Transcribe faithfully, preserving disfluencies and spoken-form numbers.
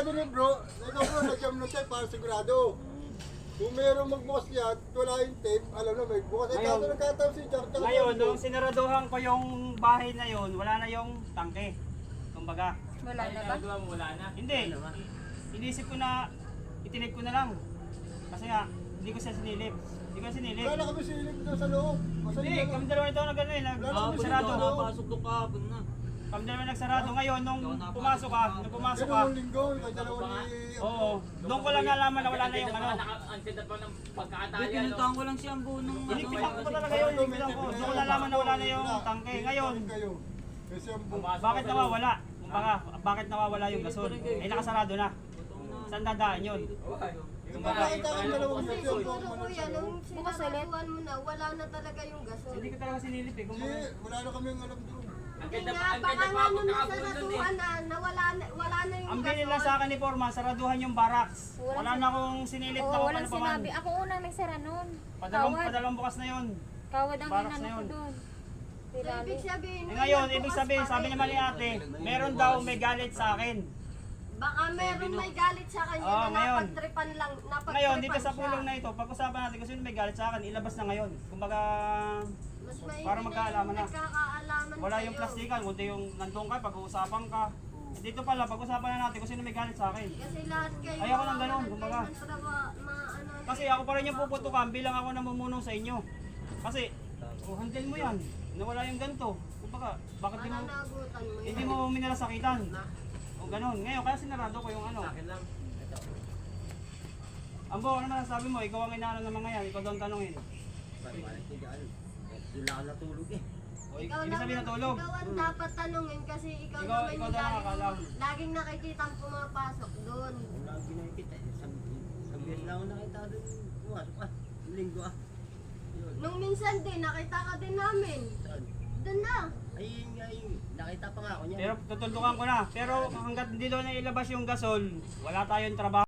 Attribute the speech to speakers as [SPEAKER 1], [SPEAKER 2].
[SPEAKER 1] sigurado ni bro, ikaw bro, nag-jam na tayo para sigurado. Kung mayroong magbukas yan, wala yung tape, alam na may bukas. Eh,
[SPEAKER 2] Ngayon-
[SPEAKER 1] kaso nagkataon si Jack. tsaka
[SPEAKER 2] Ngayon,
[SPEAKER 1] si
[SPEAKER 2] nung
[SPEAKER 1] Bro.
[SPEAKER 2] sinaraduhan ko yung bahay na yon, wala na yung tangke. Kumbaga,
[SPEAKER 3] Wala na ba?
[SPEAKER 4] Ginagawa mo, wala na.
[SPEAKER 2] hindi. Inisip ko na, itinip ko na lang. Kasi nga, hindi ko siya sinilip. Hindi ko sinilip.
[SPEAKER 1] Wala na kami silip doon sa loob. Masali
[SPEAKER 2] Hindi,
[SPEAKER 1] na
[SPEAKER 2] kami
[SPEAKER 1] lang.
[SPEAKER 2] dalawa ito na gano'n eh,
[SPEAKER 1] Wala na kami
[SPEAKER 2] nagsarado.
[SPEAKER 1] sinilip.
[SPEAKER 4] Nakapasok doon kahapon na.
[SPEAKER 2] Kami dalawa nagsarado. Ngayon, nung pumasok ka, nung pumasok ka,
[SPEAKER 1] Dalawang linggo, may dalawa ni...
[SPEAKER 2] oo, doon ko lang nalaman na wala na yung ano.
[SPEAKER 4] Ang pa ng
[SPEAKER 5] Hindi,
[SPEAKER 4] pagkakatali.
[SPEAKER 5] pinuntahan ko lang si Ambo nung ano.
[SPEAKER 2] Inipitan ko pa talaga yun, inipitan ko. Doon ko nalaman na wala na yung tangke. Ngayon,
[SPEAKER 1] Kayo. Kasi ang bu-
[SPEAKER 2] bakit nawawala? Kumbaga, bakit nawawala yung gasol? Eh, nakasarado na. Saan dadaan yun?
[SPEAKER 1] Nakita ko yung dalawang
[SPEAKER 6] Kasi
[SPEAKER 1] linggo.
[SPEAKER 6] siguro kuya, nung sinaraduhan mo na, wala na talaga yung gasol.
[SPEAKER 2] Hindi ko talaga sinilip eh.
[SPEAKER 1] Hindi,
[SPEAKER 2] Kumbaga,
[SPEAKER 1] wala na kami alam doon.
[SPEAKER 4] Ang
[SPEAKER 6] Hindi
[SPEAKER 4] ganda
[SPEAKER 6] nga,
[SPEAKER 4] pa, ang
[SPEAKER 6] baka
[SPEAKER 4] ganda
[SPEAKER 6] nga
[SPEAKER 4] pa ako
[SPEAKER 6] nung
[SPEAKER 4] nakabulon eh.
[SPEAKER 6] nasaraduhan na, na wala na, wala na yung
[SPEAKER 2] ang
[SPEAKER 6] gasol.
[SPEAKER 2] bilin lang sa akin ni Forma, saraduhan yung barracks. Wala na akong sinilip na
[SPEAKER 3] Oo,
[SPEAKER 2] kung
[SPEAKER 3] walang
[SPEAKER 2] ano pa man.
[SPEAKER 3] sinabi. Ako unang nagsara nun.
[SPEAKER 2] Padalawang,
[SPEAKER 3] Kawad.
[SPEAKER 2] padalawang bukas na yun.
[SPEAKER 3] Kawad ang
[SPEAKER 2] Barracks
[SPEAKER 3] inano
[SPEAKER 2] na
[SPEAKER 3] ko
[SPEAKER 2] yun.
[SPEAKER 3] doon.
[SPEAKER 6] So, ibig sabihin,
[SPEAKER 2] Eh ngayon,
[SPEAKER 6] bukas
[SPEAKER 2] ibig sabihin,
[SPEAKER 6] pa
[SPEAKER 2] sabi
[SPEAKER 6] rin.
[SPEAKER 2] naman ni ate, meron daw may galit sa akin.
[SPEAKER 6] Baka meron may galit sa kanya
[SPEAKER 2] Oo,
[SPEAKER 6] na
[SPEAKER 2] ngayon.
[SPEAKER 6] napagtripan lang, napagtripan
[SPEAKER 2] Ngayon, dito sa
[SPEAKER 6] siya.
[SPEAKER 2] pulong na ito, pag-usapan natin kung sino may galit sa akin, ilabas na ngayon. Kumbaga,
[SPEAKER 6] Mas maigi
[SPEAKER 2] para
[SPEAKER 6] na
[SPEAKER 2] magkaalaman
[SPEAKER 6] yung
[SPEAKER 2] na.
[SPEAKER 6] nagkakaalaman
[SPEAKER 2] wala
[SPEAKER 6] sa'yo.
[SPEAKER 2] yung plastikan, kundi yung nandun ka, pag-uusapan ka. Dito pala, pag-usapan na natin kung sino may galit sa akin.
[SPEAKER 6] Kasi lahat kayo,
[SPEAKER 2] Ayoko ng ganun,
[SPEAKER 6] mawawalan
[SPEAKER 2] kumbaga.
[SPEAKER 6] kayo ng trawa- ma- ano,
[SPEAKER 2] Kasi ako pa rin yung puputukan bilang ako namumulong sa inyo. Kasi, oh, handle mo yan. Nawala yung ganito. Kumbaga, bakit di mo,
[SPEAKER 6] mananagutan mo
[SPEAKER 2] hindi
[SPEAKER 6] yan.
[SPEAKER 2] mo minalasakitan? O ganun. Ngayon, kaya sinarado ko yung ano.
[SPEAKER 4] Akin lang. Ito.
[SPEAKER 2] Ambo, ano naman sabi mo? Ikaw ang inaano ng mga yan. Ikaw daw ang tanongin.
[SPEAKER 5] Doon lang ako natulog eh.
[SPEAKER 2] O,
[SPEAKER 6] Ikaw
[SPEAKER 2] ibig
[SPEAKER 6] lang,
[SPEAKER 2] sabihin natulog.
[SPEAKER 6] ikaw ang dapat tanungin kasi ikaw,
[SPEAKER 2] Ikaw-
[SPEAKER 6] naman
[SPEAKER 2] ikaw
[SPEAKER 6] yung
[SPEAKER 2] daw nakakaalam.
[SPEAKER 6] laging, laging nakikita ang pumapasok doon.
[SPEAKER 5] Wala akong ginakita eh. Isang isang beses lang ako nakita doon. Pumasok ah. Linggo ah. Yun.
[SPEAKER 6] Nung minsan din, nakita ka din namin.
[SPEAKER 5] Saan?
[SPEAKER 6] Doon na.
[SPEAKER 5] Ay, yun nga yun. Nakita pa nga ako niya.
[SPEAKER 2] Pero tutuldukan ko na. Pero hanggat hindi doon na ilabas yung gasol, wala tayong trabaho.